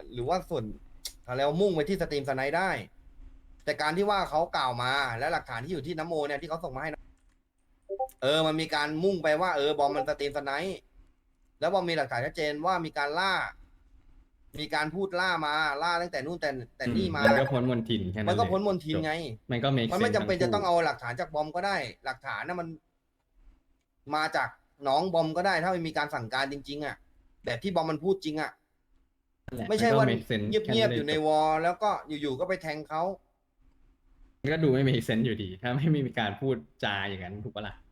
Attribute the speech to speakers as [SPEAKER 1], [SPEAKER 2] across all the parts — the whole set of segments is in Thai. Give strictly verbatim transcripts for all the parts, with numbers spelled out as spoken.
[SPEAKER 1] หรือว่าส่วนอะไรวะมุ่งไปที่สตรีมสไนด์ได้ แต่การที่ว่าเขากล่าวมาและหลักฐานที่อยู่ที่น้ำโมเนี่ยที่เขาส่งมาให้นะเออมันมีการมุ่งไปว่าเออบอมมันสตรีมสไนด์แล้วบอมมีหลักฐานชัดเจนว่ามีการล่า มีการพูดล่ามาล่าตั้งแต่นู่นแต่แต่
[SPEAKER 2] อืม
[SPEAKER 1] นี่มา
[SPEAKER 2] มันก็พ้นมนทินแค่นั้นเลย
[SPEAKER 1] มันก็พ้นมนทิ
[SPEAKER 2] จบ
[SPEAKER 1] นไง
[SPEAKER 2] มันก็ make
[SPEAKER 1] มันไม่
[SPEAKER 2] sense
[SPEAKER 1] จำ
[SPEAKER 2] ทั้งคู่
[SPEAKER 1] เป็นจะต้องเอาหลักฐานจากบอมก็ได้หลักฐานนะมันมาจากน้องบอมก็ได้ถ้ามันมีการสั่งการจริงๆอ่ะแบบที่บอมมันพูดจริงอ่ะ
[SPEAKER 2] นั่นแหละ
[SPEAKER 1] ไม่ใช่ว่า
[SPEAKER 2] มันก็ make sense
[SPEAKER 1] เ
[SPEAKER 2] แค่
[SPEAKER 1] งียบๆอยู่ใน
[SPEAKER 2] นั้นเลยจบ
[SPEAKER 1] วอลแล้วก็อยู่ๆก็ไปแทงเขา
[SPEAKER 2] มันก็ดูไม่ make sense อยู่ดีถ้าไม่มีการพูดจาอย่างนั้นถูกปะล่ะ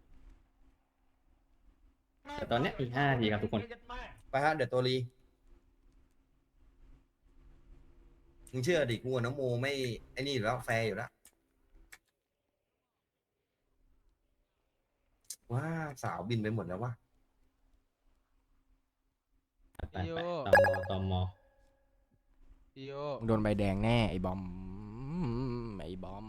[SPEAKER 2] แต่ตอนเนี้ยอีกห้านาทีครับทุกคน
[SPEAKER 1] ไปฮะเดี๋ยวตัวรีมึงเชื่อดิกูกับน้องโมไม่ไอ้นี่อยู่แล้วแฟร์อยู่แล้วว้าสาวบินไปหมดแล้ววะ
[SPEAKER 2] ไป
[SPEAKER 3] พี่โย
[SPEAKER 2] ไปตอมอตอมอ
[SPEAKER 3] พี่โย
[SPEAKER 4] มึงโดนใบแดงแน่ไอ้บอมไอ้บอม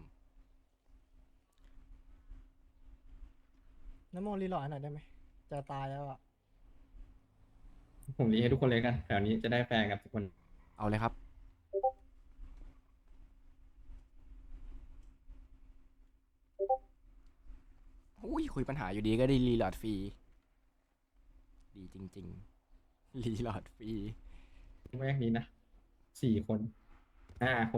[SPEAKER 5] น้ำมนต์รีโหลดให้หน่อยได้ไหมจะตายแล้วอ่ะ
[SPEAKER 2] ผมรีให้ทุกคนเลยกันแถวนี้จะได้แฟร์กับทุกคน
[SPEAKER 4] เอาเลยครับอุ้ยคุยปัญหาอยู่ดีก็ได้รีโหลดฟรีดีจริงๆรีโหลดฟรี
[SPEAKER 2] แรกนี้นะสี่คนห้าคน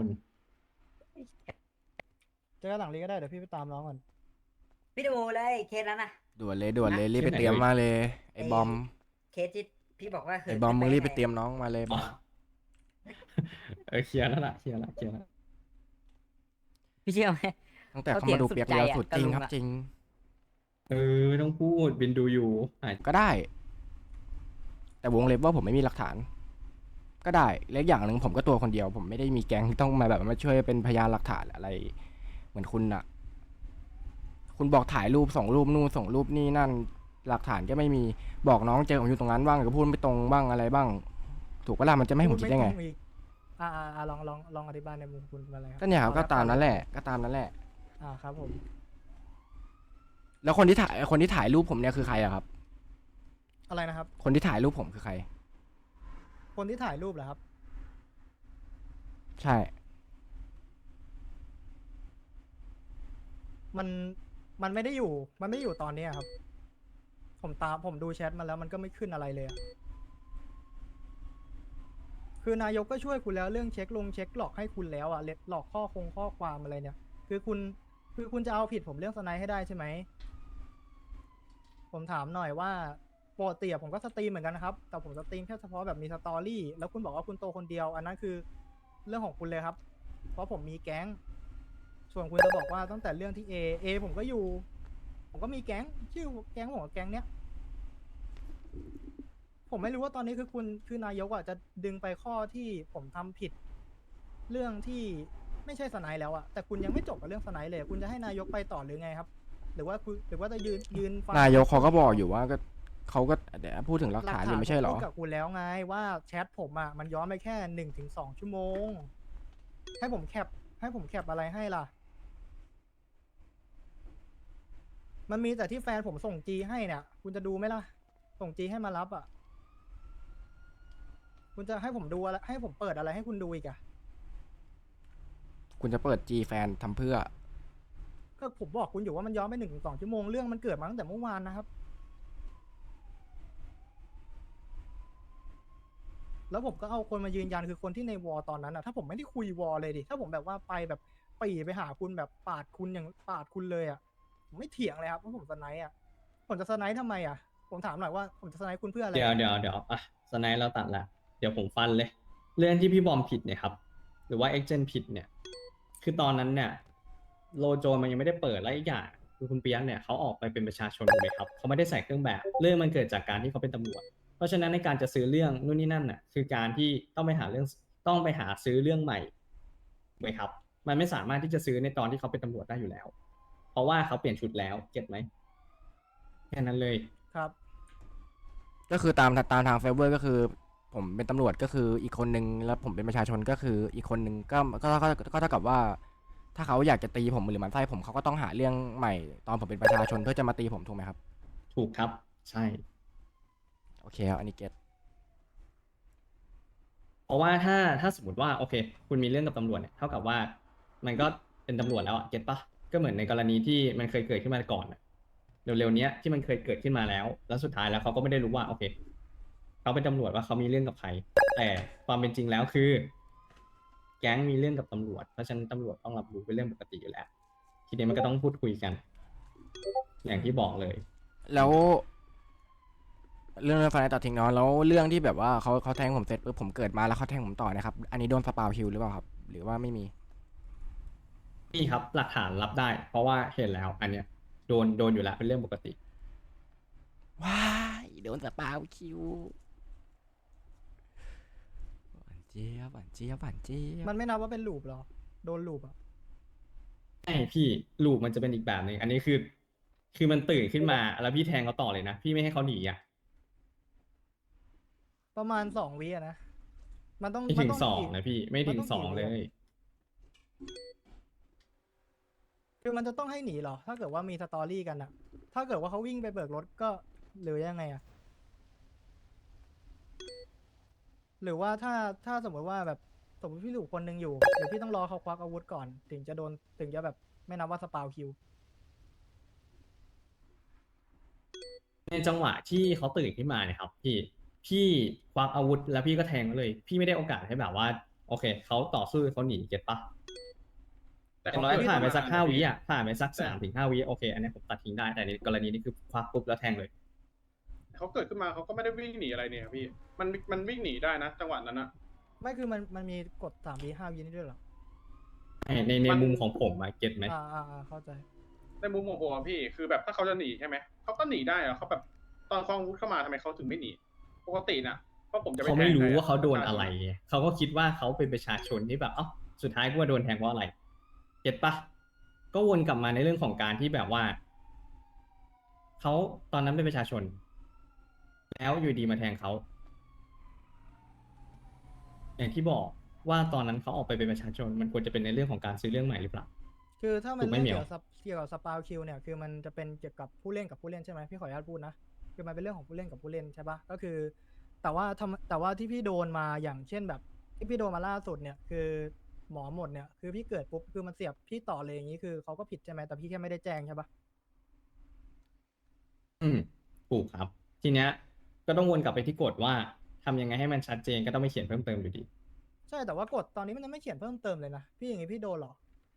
[SPEAKER 5] เจอกันหลังรีก็ได้เดี๋ยวพี่ไปตามน้องก่อน
[SPEAKER 6] พี่ดูเลยเคสนั้นนะ
[SPEAKER 4] ด่วนเลยด่วนเลยรีบไป
[SPEAKER 2] ที่ไหน
[SPEAKER 4] เตรียม
[SPEAKER 2] เอ่ย
[SPEAKER 4] มาเลยไอ้บอม
[SPEAKER 6] เคสที่พี่บอกว่าคื
[SPEAKER 4] ไอ้บอมมึงรีบไปเตรีย
[SPEAKER 6] ม
[SPEAKER 4] มน้องมาเลยบ
[SPEAKER 2] อ๋
[SPEAKER 4] อ
[SPEAKER 2] อ
[SPEAKER 4] ม
[SPEAKER 2] เออเคลียร์แล้วล่ะเคลียร์แล้วเคลียร์แล้ว
[SPEAKER 6] พี่เชื่อไหม
[SPEAKER 4] ตั้งแต่
[SPEAKER 6] เขา
[SPEAKER 4] เขามาดู
[SPEAKER 6] เถี
[SPEAKER 4] เปี
[SPEAKER 6] ย
[SPEAKER 4] ย
[SPEAKER 6] ง
[SPEAKER 4] กเรียว
[SPEAKER 6] สุ
[SPEAKER 4] สุ
[SPEAKER 6] ด
[SPEAKER 4] ด
[SPEAKER 6] ใจ
[SPEAKER 4] จริง
[SPEAKER 6] อะ
[SPEAKER 4] ครับ
[SPEAKER 6] กับลุงอะ
[SPEAKER 4] จริง
[SPEAKER 2] เออไม่ต้องพูดบินดูอยู่หาย
[SPEAKER 4] ก็ได้ แต่วงเล็บว่าผมไม่มีหลักฐาน ก็ได้และอย่างหนึ่งผมก็ตัวคนเดียว ผมไม่ได้มีแก๊งที่ต้องมาแบบมาช่วยเป็นพยานหลักฐานอะไร เหมือนคุณอะคุณบอกถ่ายรูปส่งรูปนู่นส่งรูปนี่นั่นหลักฐานก็ไม่มีบอกน้องเจอผมอยู่ตรงนั้นบ้างก็พูดไม่ตรงบ้างอะไรบ้าง ถูกปะล่ะมันจะไม่ให้ผมคิดได้ไง
[SPEAKER 5] พูตรงอีกอ่าอ่าอ่าลองลองลองอธิบายในมุมคุณมาเลยครั
[SPEAKER 4] ก็เนี่ยครับ
[SPEAKER 5] อ
[SPEAKER 4] ก็
[SPEAKER 5] แล้ว
[SPEAKER 4] ตามนั้น
[SPEAKER 5] ต่อ
[SPEAKER 4] แห
[SPEAKER 5] เลย
[SPEAKER 4] ละ ก็ตามนั้นแหละ
[SPEAKER 5] อ่าครับผม
[SPEAKER 4] แล้วคนที่ถ่ายคนที่ถ่ายรูปผมเนี่ยคือใครอะครับ
[SPEAKER 5] อะไรนะครับ
[SPEAKER 4] คนที่ถ่ายรูปผมคือใคร
[SPEAKER 5] คนที่ถ่ายรูปเหรอครับ
[SPEAKER 4] ใช่
[SPEAKER 5] มันมันไม่ได้อยู่ มันไม่ได้อยู่ตอนนี้อะครับ ผมตามผมดูแชทมาแล้วมันก็ไม่ขึ้นอะไรเลยอะคือนายกก็ช่วยคุณแล้วเรื่องเช็คลงเช็คหลอกให้คุณแล้วอะเล็ดหลอกข้อคงข้อความอะไรเนี่ย คือคุณคือคุณจะเอาผิดผมเรื่องสไนด์ให้ได้ใช่ไหม ผมถามหน่อยว่าปกติอะผมก็สตรีมเหมือนกันนะครับ แต่ผมสตรีมแค่เฉพาะแบบมีสตอรี่ แล้วคุณบอกว่าคุณโตคนเดียว อันนั้นคือเรื่องของคุณเลยครับ เพราะผมมีแก๊ง ส่วนคุณจะบอกว่าตั้งแต่เรื่องที่ A A ผมก็อยู่ ผมก็มีแก๊ง ชื่อแก๊งผมกับแก๊งเนี้ย ผมไม่รู้ว่าตอนนี้คือคุณคือนายกอ่ะจะดึงไปข้อที่ผมทำผิด เรื่องที่ไม่ใช่สไนด์แล้วอ่ะ แต่คุณยังไม่จบกับเรื่องสไนด์เลย คุณจะให้นายกไปต่อหรือไงครับ หรือว่าคุณหรือว่าจะยืนยืนฟัง
[SPEAKER 4] นายกเขาก็บอกอยู่ว่าก็เขาก็เดี๋ยวพูดถึงหลักฐานอยู่ไม่ใช่เหรอ
[SPEAKER 5] พูดกับคุณแล้วไงว่าแชทผมอ่ะมันย้อนไปแค่หนึ่งถึงสองชั่วโมง ให้ผมแคปให้ผมแคปอะไรให้ล่ะ มันมีแต่ที่แฟนผมส่งจีให้เนี่ย คุณจะดูไหมล่ะ ส่งจีให้มารับอ่ะ คุณจะให้ผมดูอะไรให้ผมเปิดอะไรให้คุณดูอีกอะ
[SPEAKER 4] คุณจะเปิด G แฟนทำเพื่อ
[SPEAKER 5] ก็ผมบอกคุณอยู่ว่ามันย้อนไปหนึ่งถึงสองชั่วโมงเรื่องมันเกิดมาตั้งแต่เมื่อวานนะครับ แล้วผมก็เอาคนมายืนยันคือคนที่ในวอลตอนนั้นอะถ้าผมไม่ได้คุยวอลเลยดิถ้าผมแบบว่าไปแบบปรีไปหาคุณแบบปาดคุณอย่างปาดคุณเลยอะผมไม่เถียงเลยครับว่าผมสไนด์อะผมจะสไนด์ทำไมอะผมถามหน่อยว่าผมจะสไนด์คุณเพื่ออะไร
[SPEAKER 2] เดี๋ยวเดี๋ยวเดี๋ยวอ่ะสไนด์เราตัดละเดี๋ยวผมฟันเลย เรื่องที่พี่บอมผิดเนี่ยครับหรือว่าเอ็กเจนผิดเนี่ย คือตอนนั้นเนี่ยโลโจมันยังไม่ได้เปิดและอีกอย่างคือคุณเปียกเนี่ยเขาออกไปเป็นประชาชนถูกไหมครับเขาไม่ได้ใส่เครื่องแบบเรื่องมันเกิดจากการที่เขาเป็นตำรวจเพราะฉะนั้นในการจะซื้อเรื่องนู่นนี่นั่นน่ะคือการที่ต้องไปหาเรื่องต้องไปหาซื้อเรื่องใหม่ถูกไหมครับ มันไม่สามารถที่จะซื้อในตอนที่เขาเป็นตำรวจได้อยู่แล้ว เพราะว่าเขาเปลี่ยนชุดแล้วเก็ตไหมแค่นั้นเลย
[SPEAKER 5] ครับ
[SPEAKER 4] ก็คือตามตามทางเฟเวอร์ก็คือ ผมเป็นตำรวจก็คืออีกคนนึงแล้วผมเป็นประชาชนก็คืออีกคนนึงก็ก็ก็ก็เท่ากับว่า ถ้าเขาอยากจะตีผมหรือหมันไส้ผมเขาก็ต้องหาเรื่องใหม่ตอนผมเป็นประชาชนเพื่อจะมาตีผมถูกไหมครับ
[SPEAKER 2] ถูกครับใช่
[SPEAKER 4] โอเคครับอันนี้เก็ต
[SPEAKER 2] เพราะว่าถ้าถ้าสมมติว่าโอเค คุณมีเรื่องกับตำรวจเนี่ยเท่ากับว่ามันก็เป็นตำรวจแล้วอะเก็ตปะก็เหมือนในกรณีที่มันเคยเกิดขึ้นมาก่อนอะเร็วๆเนี้ยที่มันเคยเกิดขึ้นมาแล้ว แล้วสุดท้ายแล้วเขาก็ไม่ได้รู้ว่าโอเคเขาเป็นตำรวจว่าเขามีเรื่องกับใคร แต่ความเป็นจริงแล้วคือ แก๊งมีเรื่องกับตำรวจเพราะฉะนั้นตำรวจต้องรับรู้เป็นเรื่องปกติอยู่แล้ว ทีนี้มันก็ต้องพูดคุยกัน อย่างที่บอกเลย
[SPEAKER 4] แล้ว เรื่องเรื่องไฟตัดทิ้งเนาะแล้วเรื่องที่แบบว่าเขาเขาแทงผมเสร็จปุ๊บผมเกิดมาแล้วเขาแทงผมต่อนะครับ อันนี้โดนสปาวคิวหรือเปล่าครับ หรือว่าไม่มี
[SPEAKER 2] นี่ครับหลักฐานรับได้ เพราะว่าเห็นแล้ว อันเนี้ยโดนโดนอยู่แล้วเป็นเรื่องปกติ
[SPEAKER 4] ว้ายโดนสปาวคิวหวานเจี๊ยบหวานเจี๊ยบหวานเจี๊ยบ
[SPEAKER 5] มันไม่นับว่าเป็นลูปหรอ โดนลูปอ่ะ
[SPEAKER 2] ใช่พี่ลูกมันจะเป็นอีกแบบหนึ่งอันนี้คือ คือมันตื่นขึ้นมาแล้วพี่แทงเขาต่อเลยนะ พี่ไม่ให้เขาหนีอ่ะ
[SPEAKER 5] ประมาณสองวิอะนะ มันต้อง
[SPEAKER 2] ไม่
[SPEAKER 5] มั
[SPEAKER 2] ถึ
[SPEAKER 5] น
[SPEAKER 2] ง
[SPEAKER 5] ต้อง
[SPEAKER 2] สอง
[SPEAKER 5] กี่
[SPEAKER 2] นะพี่ไม่ถึ
[SPEAKER 5] มัน
[SPEAKER 2] ง
[SPEAKER 5] ต้อง
[SPEAKER 2] สอง
[SPEAKER 5] กี่
[SPEAKER 2] เล
[SPEAKER 5] วิอะ
[SPEAKER 2] ย
[SPEAKER 5] คือมันจะต้องให้หนีเหรอ ถ้าเกิดว่ามีสตอรี่กันอะถ้าเกิดว่าเขาวิ่งไปเบิกรถก็หรือยังไงอะหรือว่าถ้าถ้าสมมติว่าแบบสมมติพี่หลูกคนหนึ่งอยู่เดี๋ยวพี่ต้องรอเขาควักอาวุธก่อน ถึงจะโดนถึงจะแบบไม่นับว่าสปาวคิว
[SPEAKER 2] ในจังหวะที่เขาตื่นขึ้นมาเนี่ยครับพี่พี่ควักอาวุธแล้วพี่ก็แทงเขาเลย พี่ไม่ได้โอกาสให้แบบว่า โอเคเขาต่อสู้เขาหนีเก็ตปะ
[SPEAKER 7] แต่
[SPEAKER 2] อย่าง
[SPEAKER 7] เขา
[SPEAKER 2] น้อย
[SPEAKER 7] เกิด
[SPEAKER 2] ผ่านไป
[SPEAKER 7] ขึ้น
[SPEAKER 2] สัก
[SPEAKER 7] มา
[SPEAKER 2] ห้า
[SPEAKER 7] นะ
[SPEAKER 2] วิ
[SPEAKER 7] พี่
[SPEAKER 2] อ่ะผ่านไปสัก
[SPEAKER 7] แต่
[SPEAKER 2] สามถึงห้าวิโอเค อันนี้ผมตัดทิ้งได้แต่ในกรณีนี้คือควักปุ๊บแล้วแทงเลย
[SPEAKER 7] เขาเกิดขึ้นมาเขาก็ไม่ได้วิ่งหนีอะไรเนี่ยครับพี่ มันมันวิ่งหนีได้นะจังหวะนั้นนะ
[SPEAKER 5] ไม่คือมันมันมีกฎสามวิห้าวินี่ด้วยเหรอ
[SPEAKER 2] ในในใน
[SPEAKER 7] มัน
[SPEAKER 2] มุมของผมอะเก็ตไหม
[SPEAKER 5] อ่าอ่าอ่าเข้าใจ
[SPEAKER 7] ในมุมของผมอะพี่ คือแบบถ้าเขาจะหนีใช่ไหม เขาก็หนีได้อะเขาแบบตอนคลองอาวุธเข้ามาทำไมเขาถึงไม่หนี ปกติน่ะเพราะผมจะป
[SPEAKER 2] เขา
[SPEAKER 7] แท
[SPEAKER 2] ไม่
[SPEAKER 7] ง
[SPEAKER 2] รู้
[SPEAKER 7] ใค
[SPEAKER 2] ว่าเขาโดน
[SPEAKER 7] ปชช
[SPEAKER 2] อะไรไงเขาก็คิดว่าเขาเป็นประชาชนที่แบบเอ้าสุดท้ายกูว่าโดนแทงเพราะอะไร เก็ตปะก็วนกลับมาในเรื่องของการที่แบบว่าเขาตอนนั้นเป็นประชาชน แล้วอยู่ดีมาแทงเขา อย่างที่บอกว่าตอนนั้นเขาออกไปเป็นประชาชน มันควรจะเป็นในเรื่องของการซื้อเรื่องใหม่หรือเปล่า
[SPEAKER 5] คือถ้ามัน
[SPEAKER 2] ถูกไหม
[SPEAKER 5] เรื่อง
[SPEAKER 2] เหมี
[SPEAKER 5] เกี่
[SPEAKER 2] ย
[SPEAKER 5] ยว วกับเกี่ยวกับสปาวคิวเนี่ยคือมันจะเป็นเกี่ยวกับผู้เล่นกับผู้เล่นใช่ไหมพี่ขออนุญาตพูดนะคือมันเป็นเรื่องของผู้เล่นกับผู้เล่นใช่ปะก็คือ แต่ว่าทำแต่ว่าที่พี่โดนมาอย่างเช่นแบบที่พี่โดนมาล่าสุดเนี่ยคือหมอหมดเนี่ยคือพี่เกิดปุ๊บคือมันเสียบพี่ต่อเลยอย่างนี้คือเขาก็ผิดใช่ไหมแต่พี่แค่ไม่ได้แจ้งใช่ปะ
[SPEAKER 2] อืมถูกครับ ทีเนี้ยก็ต้องวนกลับไปที่กฎว่าทำยังไงให้มันชัดเจนก็ต้องไปเขียนเพิ่มเติมอยู่ดี
[SPEAKER 5] ใช่แต่ว่ากฎตอนนี้มันยังไม่เขียนเพิ่มเติมเลยนะพี่อย่างนี้พี่โดนเหรอ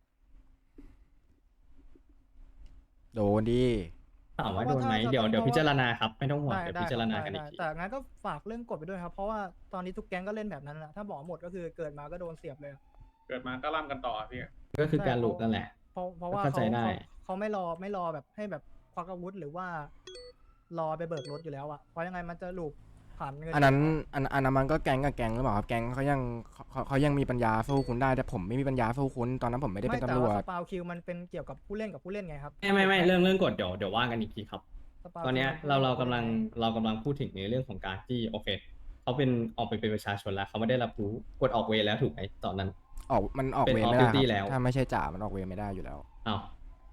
[SPEAKER 4] โดนดิ
[SPEAKER 2] ถามว่า
[SPEAKER 5] เพ
[SPEAKER 2] โด
[SPEAKER 5] ราะ
[SPEAKER 2] น
[SPEAKER 5] ว่า
[SPEAKER 2] ไหม
[SPEAKER 5] ถ้า
[SPEAKER 2] เดี๋ยว
[SPEAKER 5] ถ้า
[SPEAKER 2] เดี๋ยว
[SPEAKER 5] เพราะ
[SPEAKER 2] พิจารณาครับไม่ต้องห่วง
[SPEAKER 5] ได้
[SPEAKER 2] เดี๋ยว
[SPEAKER 5] ได้
[SPEAKER 2] พิจารณา
[SPEAKER 5] ครับ
[SPEAKER 2] กัน
[SPEAKER 5] ได้
[SPEAKER 2] อีกที
[SPEAKER 5] ได้แต่งั้นก็ฝากเรื่องกฎไปด้วยครับ เพราะว่าตอนนี้ทุกแก๊งก็เล่นแบบนั้นแหละถ้าบอกหมดก็คือเกิดมาก็โดนเสียบเลยอะ
[SPEAKER 7] เกิดมาก็ล่ำกันต่ออะพี่
[SPEAKER 2] ก็คือการหลุดนั่นแหละ
[SPEAKER 5] เพราะเพราะว่า
[SPEAKER 2] เข้าใจ
[SPEAKER 5] เขา
[SPEAKER 2] ได้
[SPEAKER 5] เขาเขาไม่รอไม่รอแบบให้แบบควักอาวุธหรือว่ารอไปเบิกรถอยู่แล้วอะเพราะยังไงมันจะลูปผ่านเงิน
[SPEAKER 4] อันนั้นอันอันนั้นมันก็แก๊งกับแก๊งหรือเปล่าครับแก๊งเขายังเขาเขายังมีปัญญาสู้คุณได้แต่ผมไม่มีปัญญาสู้คุณตอนนั้นผมไม่ได้เป็น
[SPEAKER 5] แต่
[SPEAKER 4] ตำรว
[SPEAKER 5] ว่า
[SPEAKER 4] จ
[SPEAKER 5] สปาวคิวมันเป็นเกี่ยวกับผู้เล่นกับผู้เล่นไงครับ
[SPEAKER 2] ไม่ไม่ไม่เรื่องเรื่องกฎเดี๋ยวเดี๋ยวว่ากันอีกทีครับ
[SPEAKER 5] สปาว
[SPEAKER 2] ตอนเนี้ย
[SPEAKER 5] คิวมัน
[SPEAKER 2] เราเรา
[SPEAKER 5] ผู้
[SPEAKER 2] กำลัง
[SPEAKER 5] ผู้น
[SPEAKER 2] เรากำลังพูดถึงในเรื่องของการที่โอเคเขาเป็นออกไปเป็นประชาชนแล้วเขาไม่ได้รับรู้กฎออกเวรแล้วถูกไหมตอนนั้น
[SPEAKER 4] ออกมันออก
[SPEAKER 2] เป็น
[SPEAKER 4] เวร
[SPEAKER 2] off
[SPEAKER 4] ไม่ได้ค
[SPEAKER 2] duty
[SPEAKER 4] รับ
[SPEAKER 2] แล้ว
[SPEAKER 4] ถ้าไม่ใช่จ่ามันออกเวรไม่ได้อยู่แล้ว
[SPEAKER 2] อ้าว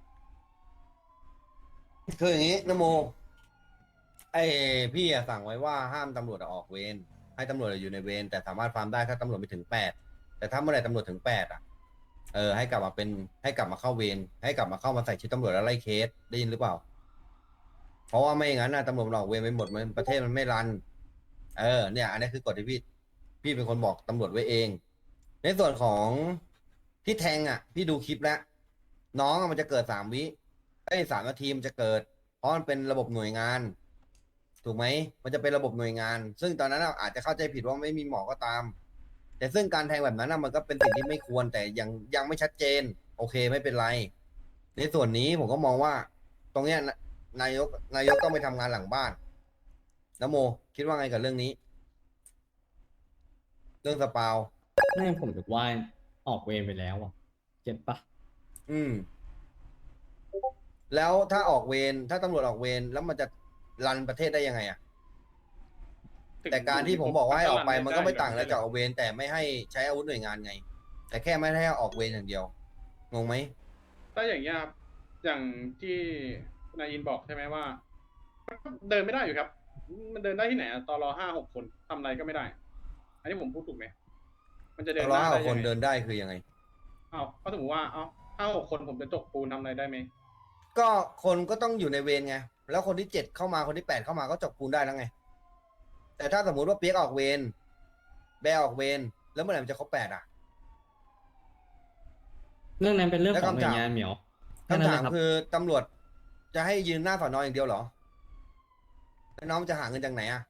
[SPEAKER 1] คืออย่างนี้นโม ไอพี่อะสั่งไว้ว่าห้ามตำรวจออกเวรให้ตำรวจอยู่ในเวรแต่สามารถฟาร์มได้ถ้าตำรวจไปถึงแปดแต่ถ้าเมื่อไหร่ตำรวจถึงแปดอ่ะเออให้กลับมาเป็นให้กลับมาเข้าเวรให้กลับมาเข้ามาใส่ชุดตำรวจแล้วไล่เคสได้ยินหรือเปล่า เพราะว่าไม่อย่างนั้นนะตำรวจมันออกเวรไปหมดมันประเทศมันไม่รัน เออเนี่ย อันนี้คือกฎที่พี่พี่เป็นคนบอกตำรวจไว้เอง ในส่วนของที่แทงอ่ะ พี่ดูคลิปแล้ว น้องอะมันจะเกิดสามวิไอ้ยสามนาทีมันจะเกิด เพราะมันเป็นระบบหน่วยงาน ถูกไหม มันจะเป็นระบบหน่วยงาน ซึ่งตอนนั้นอะอาจจะเข้าใจผิดว่าไม่มีหมอก็ตาม แต่ซึ่งการแทงแบบนั้นอะมันก็เป็นสิ่งที่ไม่ควร แต่ยังยังไม่ชัดเจน โอเคไม่เป็นไร ในส่วนนี้ผมก็มองว่า ตรงเนี้ยนะนายกนายกต้องไปทำงานหลังบ้านนะโม คิดว่าไงกับเรื่องนี้ เรื่องสปาว
[SPEAKER 2] ไม่ผมถือว่าออกเวรไปแล้วอ่ะเก็ตปะ
[SPEAKER 1] อืม แล้วถ้าออกเวรถ้าตำรวจออกเวรแล้วมันจะรันประเทศได้ยังไงอะ แต่การที่ผมบอกว่าให้ออกไปมันก็ไม่ต่างอะไรจากออกเวรแต่ไม่ให้ใช้อาวุธหน่วยงานไง แต่แค่ไม่ให้ออกเวรอย่างเดียวงงไหม
[SPEAKER 7] ถ้าอย่างเงี้ยครับอย่างที่นายอินบอกใช่ไหมว่ามันก็เดินไม่ได้อยู่ครับ มันเดินได้ที่ไหนอะตอรอห้าหกคนทำอะไรก็ไม่ได้ อันนี้ผมพูดถูกไหมมันจะเดินห
[SPEAKER 1] ร้อย
[SPEAKER 7] น้า
[SPEAKER 1] ห
[SPEAKER 7] ได้
[SPEAKER 1] กค
[SPEAKER 7] ยั
[SPEAKER 1] น
[SPEAKER 7] งไง
[SPEAKER 1] เดินได้คือยังไง
[SPEAKER 7] อ้าวก็สมมติว่าเอ้าห้าหกคนผมจะจกปูนทำอะไรได้ไหม
[SPEAKER 1] ก็คนก็ต้องอยู่ในเวรไง แล้วคนที่เจ็ดเข้ามาคนที่แปดเข้ามาก็จบปูนได้แล้วไง แต่ถ้าสมมุติว่าเปียกออกเวรแบร์ออกเวรแล้วเมื่อไหร่มันจะครบแปดอ่ะ
[SPEAKER 2] เรื่องนั้นเป็นเรื่อง
[SPEAKER 1] แล้ว
[SPEAKER 2] ของหน่
[SPEAKER 1] คำ
[SPEAKER 2] ว
[SPEAKER 1] ถาม
[SPEAKER 2] ยงานเหมียวแค่นั้น
[SPEAKER 1] คำ
[SPEAKER 2] เล
[SPEAKER 1] ถาม
[SPEAKER 2] ยครับ
[SPEAKER 1] คือตำรวจจะให้ยืนหน้าสอนออย่างเดียวเหรอ แล้วน้องจะหาเงินจากไหนอ่ะ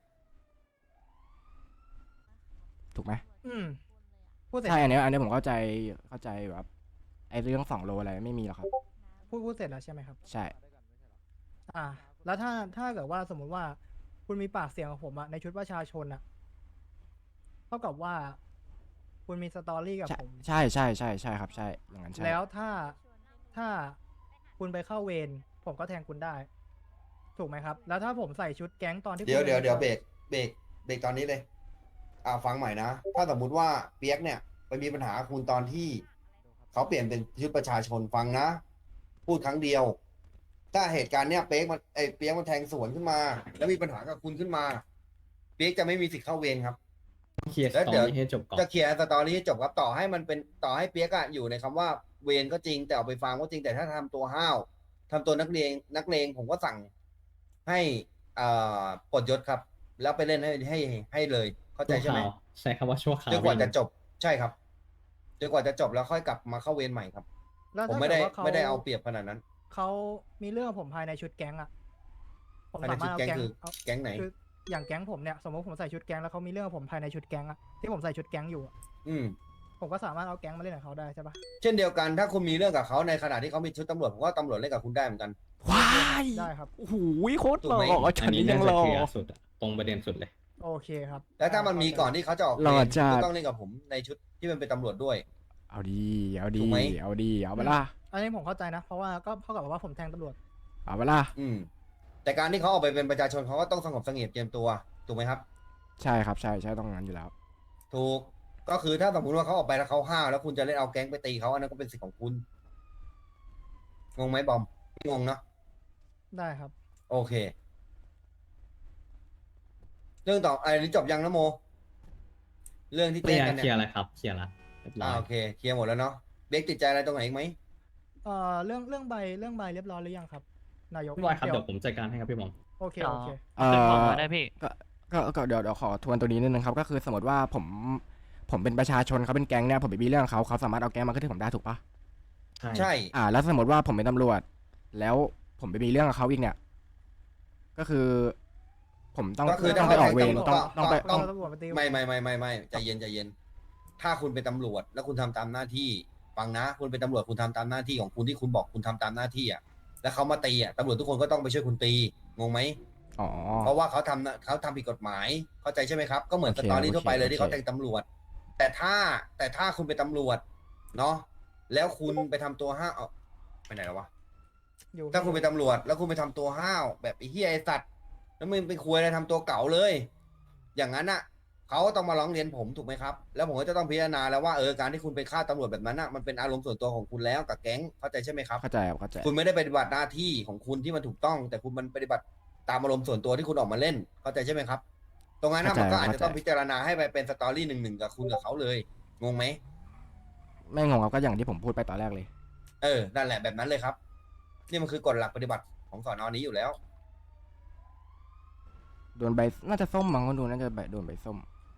[SPEAKER 4] ถูกไหม
[SPEAKER 5] อืมพูดเสร็จ
[SPEAKER 4] ใช่อันเนี้ยอันเนี้ยผมเข้าใจเข้าใจแบบไอ้เรื่องสองโลอะไรไม่มีหรอกครับ
[SPEAKER 5] พูดพูดเสร็จแล้วใช่ไหมครับ
[SPEAKER 4] ใช่
[SPEAKER 5] อ่า แล้วถ้าถ้าเกิดว่าสมมุติว่าคุณมีปากเสียงกับผมอะในชุดประชาชนอะเท่ากับว่า คุณมีสตอรี่กับ
[SPEAKER 4] ใช่
[SPEAKER 5] ผม
[SPEAKER 4] ใช่ใช่ใช่ใช่ครับใช่อย่างนั้นใช่
[SPEAKER 5] แล้วถ้าถ้าคุณไปเข้าเวรผมก็แทงคุณได้ ถูกไหมครับ แล้วถ้าผมใส่ชุดแก๊งตอนที่
[SPEAKER 1] เดี๋ยว
[SPEAKER 5] คุณ
[SPEAKER 1] เดี๋ยว
[SPEAKER 5] ดิน
[SPEAKER 1] เดี๋ยว
[SPEAKER 5] ข้า
[SPEAKER 1] เบรกเบรกเบรกตอนนี้เลย อ่าฟังใหม่นะ ถ้าสมมุติว่าเปียกเนี่ยไปมีปัญหากับคุณตอนที่เขาเปลี่ยนเป็นชุดประชาชนฟังนะ พูดครั้งเดียว ถ้าเหตุการณ์เนี้ยเปียกมันไอเปียกมันแทงสวนขึ้นมา แล้วมีปัญหากับคุณขึ้นมา เปียกจะไม่มีสิทธิ์เข้าเวรครับ
[SPEAKER 2] เคลียร์
[SPEAKER 1] แล้ว
[SPEAKER 2] ตอ
[SPEAKER 1] เดี๋ยว
[SPEAKER 2] นนี้ให้จบก่อน
[SPEAKER 1] จะเคลียร์สตอรี่ให้จบครับต่อให้มันเป็นต่อให้เปียกอะอยู่ในคำว่าเวรก็จริง แต่เอาไปฟังก็จริงแต่ถ้าทำตัวห้าวทำตัวนักเลงนักเลงผมก็สั่งให้อ่าปลดยศครับ แล้วไปเล่นให้ให้ให้เลย เข้าใจใช่ไหม
[SPEAKER 2] ชั่วคราวใช้คำว่าชั่วคราว
[SPEAKER 1] จนกว่า
[SPEAKER 2] พี่
[SPEAKER 1] จะจบใช่ครับจนกว่าจะจบแล้วค่อยกลับมาเข้าเวรใหม่ครับ
[SPEAKER 5] แล้ว
[SPEAKER 1] ผม
[SPEAKER 5] ถ้า
[SPEAKER 1] ไม่
[SPEAKER 5] เกิ
[SPEAKER 1] ได้
[SPEAKER 5] ดว่าเขา
[SPEAKER 1] ไม่ได้เอาเปรียบขนาดนั้น
[SPEAKER 5] เขามีเรื่องกับผมภายในชุดแก๊งอะผม
[SPEAKER 1] ภายใน
[SPEAKER 5] สามารถเอา
[SPEAKER 1] ชุดแก๊
[SPEAKER 5] แก๊
[SPEAKER 1] ง
[SPEAKER 5] ง
[SPEAKER 1] คือ
[SPEAKER 5] เอา
[SPEAKER 1] แก๊งไหน
[SPEAKER 5] คืออย่างแก๊งผมเนี่ยสมมติผมใส่ชุดแก๊งแล้วเขามีเรื่องกับผมภายในชุดแก๊งอะที่ผมใส่ชุดแก๊งอยู่อะ
[SPEAKER 1] อืม
[SPEAKER 5] ผมก็สามารถเอาแก๊งมาเล่นกับเขาได้ใช่ปะ
[SPEAKER 1] เช่นเดียวกันถ้าคุณมีเรื่องกับเขาในขณะที่เขามีชุดตำรวจผมว่าตำรวจเล่นกับคุณได้เหมือนกัน
[SPEAKER 4] ว้าย
[SPEAKER 5] ได้ครับ
[SPEAKER 4] โอ้โหโคตร
[SPEAKER 1] ถู
[SPEAKER 4] ห
[SPEAKER 1] ก
[SPEAKER 4] ล่
[SPEAKER 1] ไหม
[SPEAKER 4] อ
[SPEAKER 2] อั
[SPEAKER 4] ฉั
[SPEAKER 2] น
[SPEAKER 4] น
[SPEAKER 2] นี้
[SPEAKER 4] นี้ยั
[SPEAKER 2] น่าง จะ
[SPEAKER 4] หล่อ
[SPEAKER 2] เคลียร์สุดอะตรงประเด็นสุดเลย
[SPEAKER 5] โอเคครับ
[SPEAKER 1] แล้วถ้ามันมีก่อนที่เขาจะออก
[SPEAKER 4] หล่อ
[SPEAKER 1] เวร
[SPEAKER 4] จัด
[SPEAKER 1] ก็ต้องเล่นกับผมในชุดที่มันเป็นตำรวจด้วย
[SPEAKER 4] เอาดีเอา
[SPEAKER 1] ถู
[SPEAKER 4] ดี
[SPEAKER 1] กไหม
[SPEAKER 4] เอาดีเอาเวลา
[SPEAKER 5] อันนี้ผมเข้าใจนะ เพราะว่าก็เท่ากับว่าผมแทงตำรวจ
[SPEAKER 4] เอาเวลา
[SPEAKER 1] อืม แต่การที่เขาออกไปเป็นประชาชนเขาก็ต้องสงบเสงี่ยมเจียมตัวถูกไหมครับ
[SPEAKER 4] ใช่ครับใช่ใช่ต้องงั้นอยู่แล้ว
[SPEAKER 1] ถูกก็คือถ้าสมมติว่าเขาออกไปแล้วเขาห้าวแล้วคุณจะเล่นเอาแก๊งไปตีเขาอันนั้นก็เป็นสิทธิ์ของคุณงงไหมบอมไม่งงเนาะ
[SPEAKER 5] ได้ครับ
[SPEAKER 1] โอเค เรื่องต่อไอ้นี้จบยังนะโม เรื่องที่
[SPEAKER 2] เคลี
[SPEAKER 1] เต้
[SPEAKER 2] ย
[SPEAKER 1] น
[SPEAKER 2] ร์
[SPEAKER 1] กัน
[SPEAKER 2] เคลีย
[SPEAKER 1] เนี่ย
[SPEAKER 2] ร์อะไรครับ เคลียร์ละเรียบร้อ
[SPEAKER 1] อ่าย โอเคเคลียร์หมดแล้วเนาะเบรกติดใจอะไรตรงไหนอีกไหม
[SPEAKER 5] เอ่อเรื่องเรื่องใบเรื่องใบเรียบร้อยหรือยังครับ นายก
[SPEAKER 2] เรียบร้อยครับเดี๋ยวผมจัดการให้ครับพี่บอม
[SPEAKER 5] โอเคโอเค
[SPEAKER 4] เอ่
[SPEAKER 8] ขึ้นของ
[SPEAKER 4] อ
[SPEAKER 8] มาได้พี่
[SPEAKER 4] ก็ก็ก็เดี๋ยวเดี๋ยวขอทวนตัวนี้นิดนึงครับก็คือสมมติว่าผมผมเป็นประชาชนเขาเป็นแก๊งเนี่ยผมไปมีเรื่องเขาเขาสามารถเอาแก๊งมาขึ้นที่ผมได้ถูกปะ
[SPEAKER 1] ใช่
[SPEAKER 4] อ่า แล้วสมมติว่าผมเป็นตำรวจ แล้วผมไปมีเรื่องกับเขาอีกเนี่ย ก็คือ ผมต้อง
[SPEAKER 1] ก็คือ
[SPEAKER 4] ต้อง
[SPEAKER 1] ถ้า
[SPEAKER 4] ไปออกเวร
[SPEAKER 1] เขา
[SPEAKER 4] ต้อง
[SPEAKER 1] ก็
[SPEAKER 4] ต้องไป
[SPEAKER 1] ก็
[SPEAKER 4] ต้อง
[SPEAKER 5] ตำรวจมาตี
[SPEAKER 1] ไม่ไม่ไม่ไม่ไม่ใจเย็นใจเย็น ถ้าคุณเป็นตำรวจแล้วคุณทำตามหน้าที่ฟังนะ คุณเป็นตำรวจคุณทำตามหน้าที่ของคุณที่คุณบอกคุณทำตามหน้าที่อ่ะแล้วเขามาตีอ่ะตำรวจทุกคนก็ต้องไปช่วยคุณตีงงไหม
[SPEAKER 4] อ๋อ
[SPEAKER 1] เพราะว่าเขาทำนะเขาทำผิดกฎหมายเข้าใจใช่ไหมครับ ก็เหมือน
[SPEAKER 4] โอ
[SPEAKER 1] ส
[SPEAKER 4] เค
[SPEAKER 1] ตอรี่
[SPEAKER 4] โอเค
[SPEAKER 1] ทั่วไปเลยที่เขา
[SPEAKER 4] โอเค
[SPEAKER 1] แทงตำรวจ แต่ถ้าแต่ถ้าคุณเป็นตำรวจเนาะแล้วคุณไปทำตัวห้าวเอาไปไหนแล้ววะ
[SPEAKER 5] อยู่
[SPEAKER 1] ถ้าคุณเป็นตำรวจแล้วคุณไปทำตัวห้าวแบบไอ้เหี้ยไอ้สัตว์แล้วมึงไปคุยอะไรทำตัวเก่าเลย อย่างนั้นอ่ะเขาก็ต้องมาร้องเรียนผมถูกไหมครับ แล้วผมก็จะต้องพิจารณาแล้วว่าเออการที่คุณไปฆ่าตำรวจแบบนั้นอ่ะมันเป็นอารมณ์ส่วนตัวของคุณแล้วกับแก๊งเข้าใจใช่ไหมครับ
[SPEAKER 4] เข้าใจครับเข้าใจ
[SPEAKER 1] คุณไม่ได้ปฏิบัติหน้าที่ของคุณที่มันถูกต้อง แต่คุณมันปฏิบัติตามอารมณ์ส่วนตัวที่คุณออกมาเล่น เข้าใจใช่ไหมครับ ตรงนั้นนะมันก็อาจจะต้องพิจารณาให้ไปเป็นสตอรี่หนึ่งหนึ่งกับคุณกับเขาเลยงงไหม
[SPEAKER 4] ไม่งงครับก็อย่างที่ผมพูดไปตอนแรกเลย
[SPEAKER 1] เออนั่นแหละแบบนั้นเลยครับ นี่มันคือกฎหลักปฏิบัติของสอนอนี้อยู่แล้ว
[SPEAKER 4] โดนใบน่าจะส้มมั้งคนดูน่าจะใบโดนใบส้ม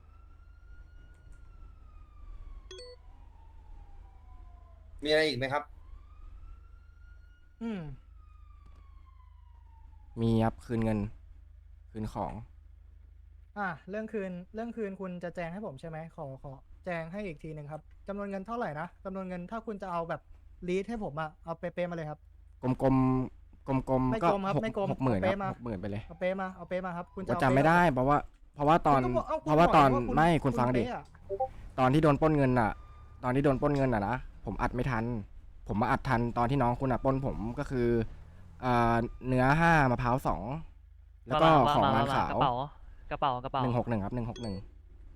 [SPEAKER 1] มีอะไรอีกไหมครับ
[SPEAKER 5] อืม
[SPEAKER 4] มีครับคืนเงิน คืนของ
[SPEAKER 5] อ่ะเรื่องคืนเรื่องคืนคุณจะแจ้งให้ผมใช่ไหมขอขอแจ้งให้อีกทีหนึ่งครับจำนวนเงินเท่าไหร่นะจำนวนเงินถ้าคุณจะเอาแบบลีดให้ผมอะเอาเป๊ะๆมาเลยครับ
[SPEAKER 4] กลมกลมกลมกลม
[SPEAKER 5] ไม่
[SPEAKER 4] ก็
[SPEAKER 5] กลมครับ
[SPEAKER 4] หก
[SPEAKER 5] ไม่กลม
[SPEAKER 4] หกหมื่นค
[SPEAKER 5] เอา
[SPEAKER 4] รับ
[SPEAKER 5] เป๊ะมา
[SPEAKER 4] หกหมื่นไปเลย
[SPEAKER 5] เอาเป๊ะมาเอาเป๊ะมาครับคุณจะ
[SPEAKER 4] ก็
[SPEAKER 5] เอา
[SPEAKER 4] จำไม่
[SPEAKER 5] เป๊ะ
[SPEAKER 4] ได้เพราะว่า เพราะว่าตอน
[SPEAKER 5] คุณงบก
[SPEAKER 4] เพราะว่าตอน
[SPEAKER 5] คุณบอก
[SPEAKER 4] ไม่
[SPEAKER 5] ว่า
[SPEAKER 4] คุณฟังดิ
[SPEAKER 5] เป๊ะอะ
[SPEAKER 4] ตอนที่โดนปล้นเงินอ่ะ ตอนที่โดนปล้นเงินอ่ะนะผมอัดไม่ทัน ผมมาอัดทันตอนที่น้องคุณอ่ะปล้นผมก็คืออ่าเนื้อห้ามะพร้าวสองแล้วก็
[SPEAKER 8] ว่า
[SPEAKER 4] ของ
[SPEAKER 8] มา
[SPEAKER 4] ร้าน
[SPEAKER 8] ว่า
[SPEAKER 4] ขาว
[SPEAKER 8] กระเป๋ากระเป๋ากระเป๋า
[SPEAKER 4] หนึ่งหกหนึ่งครับหนึ่งหกหนึ่ง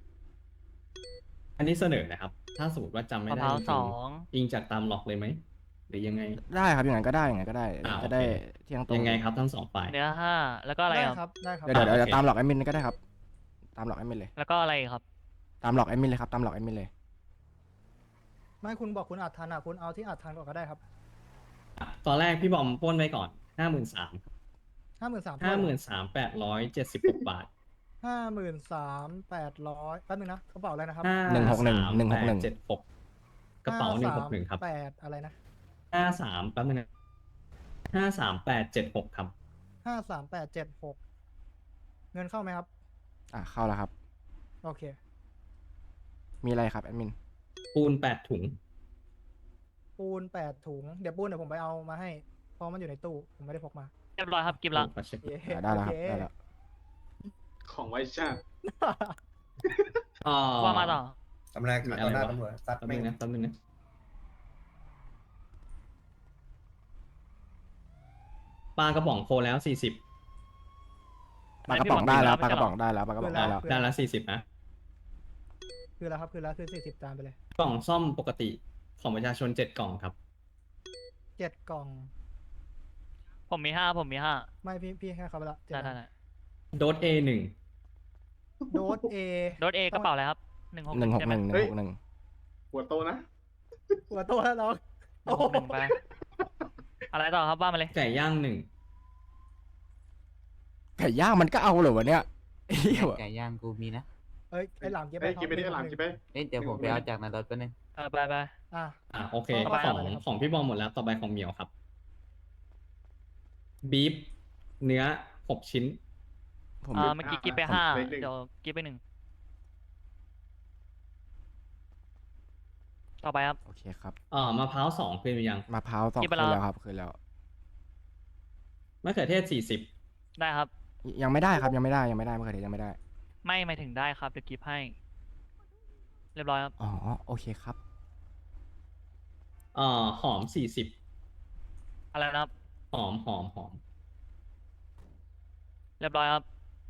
[SPEAKER 2] อันนี้เสนอนะครับ ถ้าสมมติว่าจำไม่
[SPEAKER 8] มะ
[SPEAKER 2] ได้
[SPEAKER 8] พร้าว
[SPEAKER 2] จริ
[SPEAKER 8] ส
[SPEAKER 2] ง
[SPEAKER 8] อง
[SPEAKER 2] ๆอิงจากตามหลอกเลยไหมหรือยังไง
[SPEAKER 4] ได้ครับอย่างนั้นก็ได้อย่างนั้นก็ได้
[SPEAKER 2] อ่า
[SPEAKER 4] จะได้
[SPEAKER 2] โอเค
[SPEAKER 4] เที่ยงตรง
[SPEAKER 2] ยังไงครับทั้งสองฝ่าย
[SPEAKER 8] เนื้อห้าแล้วก็อะไร
[SPEAKER 5] ได้
[SPEAKER 8] ครับ
[SPEAKER 5] ครับได้ครับ
[SPEAKER 4] เดี๋ยวเดี๋ยวเดี๋ยว
[SPEAKER 2] โอเค
[SPEAKER 4] ตามหลอกแอดมินก็ได้ครับ ตามหลอกแอดมินเลย
[SPEAKER 8] แล้วก็อะไรอีกครับ
[SPEAKER 4] ตามหลอกแอดมินเลยครับตามหลอกแอดมินเลย
[SPEAKER 5] ไม่คุณบอกคุณอัดทันอ่ะคุณเอาที่อัดทันก่อนก็ได้ครับ
[SPEAKER 2] ตอนแรกพี่บอมปล้นไว้ก่อนห้าหมื่นสาม
[SPEAKER 5] ห้าหมื่นสาม
[SPEAKER 2] ห้าหมื่นสามแปดร้อยเจ็ดสิบหกบาท
[SPEAKER 5] ห้าหมื่นสามแปดร้อยแป๊บนึงนะกระเป๋าอะไรนะครับ
[SPEAKER 2] ห้า
[SPEAKER 4] หนึ่งหกหนึ่ง
[SPEAKER 2] สาม
[SPEAKER 4] หนึ่งหกหนึ่ง
[SPEAKER 2] แปดเจ็ดหกกระเป๋าหนึ่งหกหนึ่งครับ
[SPEAKER 5] แปดอะไรนะ
[SPEAKER 2] ห้าสามแป๊บนึงนะห้าสามแปดเจ็ดหกครับ
[SPEAKER 5] ห้าสามแปดเจ็ดหกเงินเข้าไหมครับ
[SPEAKER 4] อ่ะเข้าแล้วครับ
[SPEAKER 5] โอเค
[SPEAKER 4] มีอะไรครับแอดมิน
[SPEAKER 2] ปูนแปดถุง
[SPEAKER 5] ปูนแปดถุง เดี๋ยวปูนเดี๋ยวผมไปเอามาให้ เพราะมันอยู่ในตู้ ผมไม่ได้พกมา
[SPEAKER 8] เรียบร้อยครับกิฟต์ละ
[SPEAKER 2] ขอเช็ค
[SPEAKER 5] เย้
[SPEAKER 4] อ่ะได้แล้วครับ
[SPEAKER 5] โอเค
[SPEAKER 4] ได้แล้ว
[SPEAKER 7] ของไว้ชาติ
[SPEAKER 2] อ่า
[SPEAKER 8] ว่ามาต่อ
[SPEAKER 1] ทำอะไรขัดต่อหน้าตำรวจซัด
[SPEAKER 2] แป๊บ
[SPEAKER 1] แม่
[SPEAKER 2] นึ
[SPEAKER 1] ง
[SPEAKER 2] งนะแป๊บนึงนะปลากระป๋องโคแล้วสี่สิบ
[SPEAKER 4] ปลากระป๋องได้แล้วป
[SPEAKER 8] ไม่
[SPEAKER 4] ลาก
[SPEAKER 8] ใช่
[SPEAKER 4] ระป๋องได้แล้วปลากระป๋องได้แล้ว
[SPEAKER 2] ได้ละสี่สิบนะ
[SPEAKER 5] คือแล้วครับ คือแล้วคือสี่สิบจานไปเลย
[SPEAKER 2] กล่องซ่อมปกติของประชาชนเจ็ดกล่องครับ
[SPEAKER 5] เจ็ดกล่อง
[SPEAKER 8] ผมมีห้าผมมีห้า
[SPEAKER 5] ไม่พี่พี่แค่เขาไปละเจ็ด
[SPEAKER 8] ได้ได้
[SPEAKER 5] อัน
[SPEAKER 8] ได้
[SPEAKER 2] โดส เอ หนึ่ง
[SPEAKER 5] โดสเอ
[SPEAKER 8] โดสเอกระเป๋าอะไรครับหนึ่งหก
[SPEAKER 4] หนึ่งหก
[SPEAKER 8] ใช่ไห
[SPEAKER 4] ห
[SPEAKER 8] ม
[SPEAKER 4] นึ่งห
[SPEAKER 7] เฮ้
[SPEAKER 4] นึ่ง
[SPEAKER 7] ย
[SPEAKER 4] หกหนึ่ง
[SPEAKER 7] หัวโตนะ
[SPEAKER 5] หัวโตแล้วน้อง
[SPEAKER 8] หนึ่งหกหนึ่งไปอะไรต่อครับว่ามาเลย
[SPEAKER 2] ไก่ย่างหนึ่ง
[SPEAKER 4] ไก่ย่างมันก็เอาเหรอวะเนี่ยไอ้เหี้ย
[SPEAKER 9] ไก่ย่างกูมีนะ
[SPEAKER 5] เอ้ยไอหลามเก็บ
[SPEAKER 7] เฮ้ย
[SPEAKER 5] ท็อป
[SPEAKER 7] กินไปดิหลังกินไป
[SPEAKER 9] เอ้ยเดี๋ยวผมไปเอาจากในรถแป๊บนึง
[SPEAKER 8] เออไปไป
[SPEAKER 5] อ่ะ
[SPEAKER 2] อ่าโอเค
[SPEAKER 5] ต่อไป
[SPEAKER 2] ของ
[SPEAKER 5] อะไรครับ
[SPEAKER 2] ของพี่บอมหมดแล้วต่อไปของเหมียวครับบีฟเนื้อหกชิ้น
[SPEAKER 4] ผม
[SPEAKER 8] อ่าเมื่อกี้กิฟไปห้า
[SPEAKER 7] เลขหนึ่ง
[SPEAKER 8] เดี๋ยวกิฟไปหนึ่งต่อไปครับ
[SPEAKER 4] โอเคครับ
[SPEAKER 2] อ่ามะพร้าวสองคืนหรือยัง
[SPEAKER 4] มะพร้าวสอง
[SPEAKER 8] กินไป
[SPEAKER 4] คืน
[SPEAKER 8] แล้ว
[SPEAKER 4] แล้วครับคืนแล้ว
[SPEAKER 2] มะเขือเทศสี่สิบ
[SPEAKER 8] ได้ครับ
[SPEAKER 4] ยังไม่ได้ครับยังไม่ได้ยังไม่ได้มะเขือเทศยังไม่ได้
[SPEAKER 8] ไม่หมายถึงได้ครับเดี๋ยวกิฟให้ เรียบร้อยครับ
[SPEAKER 4] อ๋อโอเคครับ
[SPEAKER 2] อ่าหอมสี่สิบ
[SPEAKER 8] อะไรนะครับ
[SPEAKER 2] หอมหอมหอม
[SPEAKER 8] เรียบร้อยครับ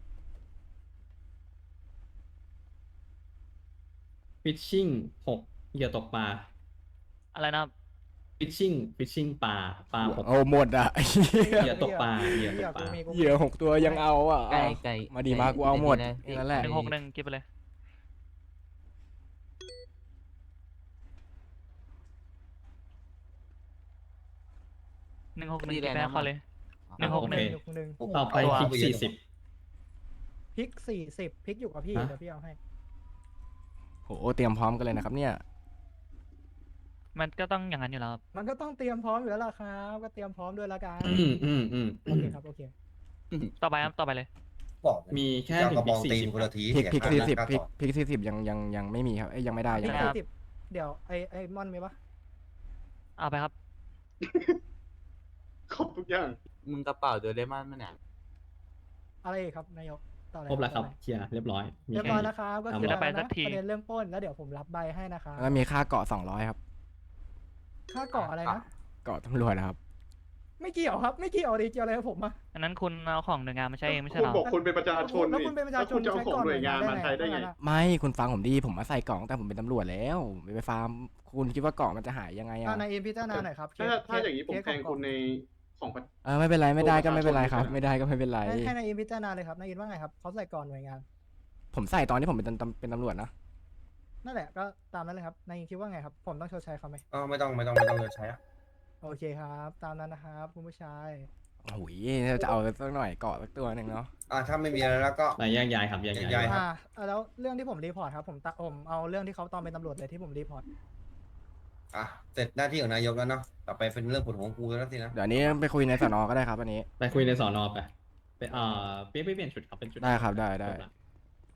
[SPEAKER 2] ฟิชชิ่งหกเหยื่อตกปลา
[SPEAKER 8] อะไรนะครับ
[SPEAKER 2] ฟิชชิ่งฟิชชิ่งปลาปลาหก
[SPEAKER 4] โอ้หมดอ่ะ
[SPEAKER 2] เหยื่อตกปลาเหยื่อตกปลา
[SPEAKER 5] มีกูมี
[SPEAKER 4] เหยื่อหกตัวยังเอาอ่ะ
[SPEAKER 9] ไก่ไก่
[SPEAKER 4] มาดีมากูเอาหมด
[SPEAKER 9] ไก่
[SPEAKER 4] แค่นั้นแหละ
[SPEAKER 8] หนึ่งหกหนึ่งกิฟไปเลยหนึ่งหกหนึ่งกิฟไปให้เขาเลย หนึ่งหกหนึ่ง
[SPEAKER 5] หนึ่งหนึ่ง
[SPEAKER 2] ต่อไปพริกสี่สิบ
[SPEAKER 5] พริกสี่สิบพริกอยู่กับพี่
[SPEAKER 2] ฮะ
[SPEAKER 5] เดี๋ยวพี่เอาให้
[SPEAKER 4] โหเตรียมพร้อมกันเลยนะครับเนี่ย
[SPEAKER 8] มันก็ต้องอย่างนั้นอยู่แล้วครับ
[SPEAKER 5] มันก็ต้องเตรียมพร้อมอยู่แล้วล่ะครับ ก็เตรียมพร้อมด้วยละกัน
[SPEAKER 2] อืมอืมอืม
[SPEAKER 5] โอเคครับโอเค
[SPEAKER 8] ต่อไปครับต่อไปเลย
[SPEAKER 1] บอกเลย
[SPEAKER 2] มีแค่
[SPEAKER 1] เจ้า
[SPEAKER 2] ถึ
[SPEAKER 1] กระ
[SPEAKER 2] ง
[SPEAKER 1] บ
[SPEAKER 2] พริ
[SPEAKER 1] อก ง
[SPEAKER 2] สี่
[SPEAKER 1] ตีน
[SPEAKER 2] สิบ
[SPEAKER 1] คนละที
[SPEAKER 4] พริกพริก
[SPEAKER 1] เสี
[SPEAKER 4] สี่
[SPEAKER 1] ย
[SPEAKER 4] สิบ
[SPEAKER 1] ค่า
[SPEAKER 4] พริก
[SPEAKER 1] ต่อ
[SPEAKER 4] พริกสี่สิบยังยังยังไม่มีครับเอ้ยยังไม่ได้
[SPEAKER 5] พ
[SPEAKER 4] ยั
[SPEAKER 5] ริ
[SPEAKER 4] ง
[SPEAKER 5] ก
[SPEAKER 4] ไม่ได้
[SPEAKER 5] สี่สิบเดี๋ยวไอไอมอนมีปะ
[SPEAKER 8] เอาไปครับ
[SPEAKER 7] ครบทุกอย่าง
[SPEAKER 9] มึงกระเป๋าโดเรมอนมันเนี่ย
[SPEAKER 5] อะไรอีกครับนายกต่อเลย
[SPEAKER 2] ครบแล้วครับ
[SPEAKER 5] ต่อเย
[SPEAKER 2] เคลียร์เรียบร้อยมี
[SPEAKER 5] เรียบ
[SPEAKER 2] แค่
[SPEAKER 5] ร้อย
[SPEAKER 2] นี้
[SPEAKER 5] แล้วครับ ก็
[SPEAKER 2] เอา
[SPEAKER 5] คือ
[SPEAKER 2] หมด
[SPEAKER 5] แล้ว
[SPEAKER 8] ไปสั
[SPEAKER 5] นะ
[SPEAKER 8] กที
[SPEAKER 5] ประเด็นเรื่องปล้นแล้วเดี๋ยวผมรับใบให้นะครับ
[SPEAKER 4] แล้วก็มีค่าเกาะสองร้อยครับ
[SPEAKER 5] ค่าเกาะอะไรนะ
[SPEAKER 4] เกาะตำรวจนะครับ
[SPEAKER 5] ไม่เกี่ยวครับ ไม่เกี่ยวดิเกี่ยวอะไรกับผมอะ
[SPEAKER 8] อันนั้นคุณเอาของหน่วยงานมาใช้เองไม่ใช่
[SPEAKER 7] คุ
[SPEAKER 8] เห
[SPEAKER 7] ณ
[SPEAKER 8] รอ
[SPEAKER 7] บอกคุณเป็นประชาชน
[SPEAKER 5] แล้ว
[SPEAKER 7] นี่
[SPEAKER 5] คุณเป็นประชาชน
[SPEAKER 7] แล้วคุณจะเอา
[SPEAKER 5] ใช้
[SPEAKER 7] ของ
[SPEAKER 5] ก่อน
[SPEAKER 7] หน่วยงานมาใช้ได้ไง
[SPEAKER 5] หน่วยงานได้ไง
[SPEAKER 4] ไม่คุณฟังผมดีผมมาใส่กล่องแต่ผมเป็นตำรวจแล้วไม่ไปฟาร์มคุณคิดว่าเกาะมันจะหายยังไง
[SPEAKER 5] อ่า
[SPEAKER 4] อ่ะ
[SPEAKER 5] นายเอ็มพิจารณาหน่อยครับเค
[SPEAKER 7] ถ้า
[SPEAKER 5] ส
[SPEAKER 7] ถ้าอย่างนี้ผม
[SPEAKER 5] เคส
[SPEAKER 7] แทงคุณในของประ
[SPEAKER 4] เออไม่เป็นไรไม่ได้ก็
[SPEAKER 7] ตัวประชาชน
[SPEAKER 4] ไม่เป็นไรครับ
[SPEAKER 7] ไม่
[SPEAKER 4] ไม่
[SPEAKER 7] ใช่
[SPEAKER 4] ได้
[SPEAKER 7] เหรอ
[SPEAKER 4] ก็ไม่เป็นไร
[SPEAKER 5] ให้ให้นายเอ็มพิจารณาเลยครับนายเอ็มว่าไงครับเขาใส่ก่อนหน่วยงาน
[SPEAKER 4] ผมใส่ตอนที่ผมเป็นตำเป็นตำรวจนะ
[SPEAKER 5] นั่นแหละก็ตามนั้นเลยครับนายเอ็มคิดว่าไงครับ ผมต้องชดใช้เขาไหม
[SPEAKER 1] อ๋อไม่ต้องไม่ต้องไม่ต้องเลยใช้อะ
[SPEAKER 5] โอเคครับ ตามนั้นนะครับคุณผู้ชาย
[SPEAKER 4] โอ้โหจะเอาสักหน่อยเกาะสักตัวหนึ่งเนาะ
[SPEAKER 1] อ่าถ้าไม่มีอะไรแล้วก็
[SPEAKER 2] ไปแยกย้ายครับแยก
[SPEAKER 1] แยก
[SPEAKER 2] ย้า
[SPEAKER 1] ย้าย
[SPEAKER 2] ย
[SPEAKER 1] ครับ
[SPEAKER 5] อ่าอ่าแล้วเรื่องที่ผมรีพอร์ตครับผมตะผมเอาเรื่องที่เขาตอนเป็นตำรวจเลยที่ผมรีพอร์ต
[SPEAKER 1] อ่ะเสร็จหน้าที่ของนายกแล้วเนาะต่อไปเป็นเรื่องปวดหัวของกูแล้วสินะ
[SPEAKER 4] เดี๋ยวอันนี้ไปคุยในสนก็ได้ครับอันนี้
[SPEAKER 2] ไปคุยในสอนอไปไปเอ่อเปลี่ยนไปเปลี่ยนชุดครับเป็นชุด
[SPEAKER 4] ได้ครับได้ได้
[SPEAKER 2] จบละ